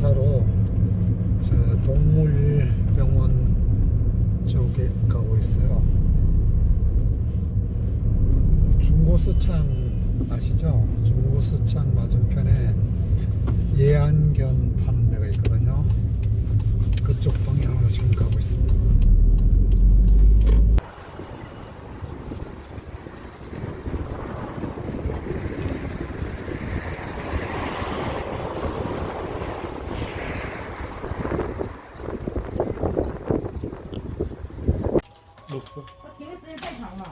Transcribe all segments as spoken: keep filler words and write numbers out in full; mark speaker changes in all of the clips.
Speaker 1: 조사로 저 동물병원 쪽에 가고 있어요. 중고서창 아시죠? 중고서창 맞은편에 예안견 파는 데가 있거든요. 그쪽 방향으로 지금 가고 있습니다.
Speaker 2: 없어.
Speaker 3: 停的时间太长了。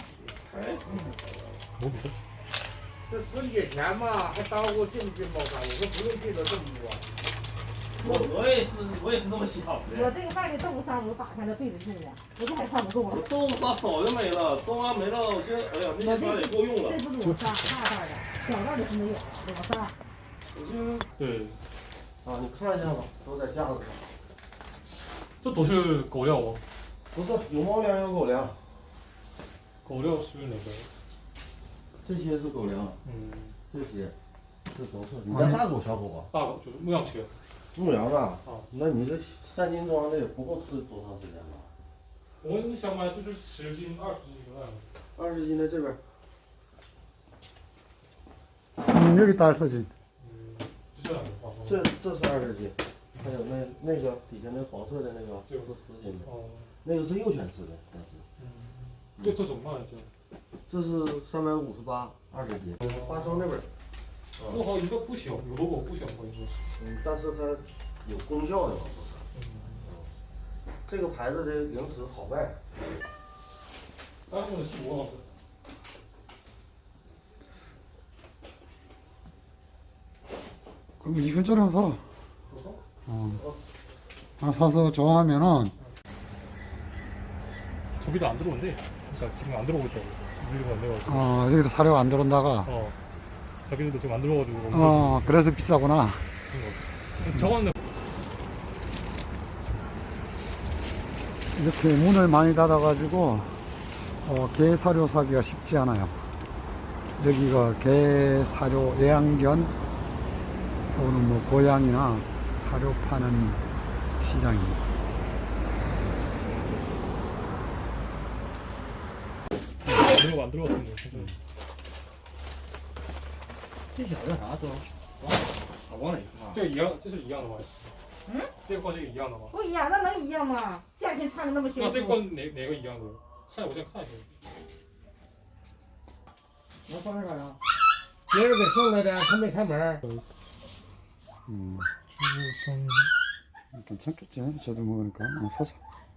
Speaker 2: 뭐 있어?
Speaker 4: 这十几年嘛，还耽误进不进包山？我说不用进的这么多。
Speaker 5: 我我也是，我也是那么想
Speaker 3: 我
Speaker 5: 的。
Speaker 3: 这个外面豆腐沙我打开了对着住了，我这还看不动了。
Speaker 5: 豆腐沙早就没了，豆沙没了，我现在哎呀，那些沙也够用了。
Speaker 3: 这不裸沙，大袋的，小袋的是没有，裸沙。
Speaker 5: 我就
Speaker 2: 对，
Speaker 5: 啊，你看一下吧，都在架子上。
Speaker 2: 这都是狗料吗？
Speaker 5: 不是，有猫粮有狗粮，
Speaker 2: 狗料是哪个？
Speaker 5: 这些是狗粮，
Speaker 2: 嗯，
Speaker 5: 这些这都是。你家大狗小狗啊？
Speaker 2: 大狗就是牧羊犬。
Speaker 5: 牧羊的。
Speaker 2: 啊，
Speaker 5: 那你这三斤装的也不够吃多长时间吧？
Speaker 2: 我们想买就是十斤、二十斤的那样。
Speaker 5: 二十斤在这边。
Speaker 1: 음, 여기 다 알서지.
Speaker 2: 음,这两个话说。
Speaker 5: 这这是二十斤，还有那那个底下那黄色的那个，这是十斤的。
Speaker 2: 哦。
Speaker 5: 那个是幼犬吃的，但是。
Speaker 2: 嗯。这这怎么卖这？
Speaker 5: 这是三百五十八，二十斤。花生那边。
Speaker 2: 我好像一个不小，有的狗不小，好像是。
Speaker 5: 嗯，但是它有功效的嘛，不是？
Speaker 2: 嗯。
Speaker 5: 这个牌子的零食好卖。
Speaker 2: 当用的细膜好吃。
Speaker 1: 그럼 이 근처에 사. 어. 하나 사서 좋아하면은.
Speaker 2: 저기도 안 들어온대. 그러니까 지금 안 들어오고 있다고. 물리가 안 돼가지고.
Speaker 1: 어, 여기도 사료가 안 들어온다가.
Speaker 2: 어. 자기들도 지금 안 들어가지고.
Speaker 1: 어, 그래서 비싸구나.
Speaker 2: 저거는.
Speaker 1: 이렇게 문을 많이 닫아가지고, 어, 개 사료 사기가 쉽지 않아요. 여기가 개 사료 애완견 또는 뭐 고양이나 사료 파는 시장입니다.
Speaker 2: 이거 안 들어갔는데.
Speaker 5: 这小子啥都，好往里放。
Speaker 2: 这个一样，这是一样的吗？
Speaker 3: 嗯？
Speaker 2: 这个和这个一样的吗？
Speaker 3: 不一样，那能一样吗？价钱差的那么悬殊。
Speaker 2: 那这个哪哪个一样的？看我先看一下。
Speaker 4: 能放这干啥？别人给送来的，他没开门。
Speaker 1: 음. 괜찮겠지? 저도 먹으니까. 어, 사자.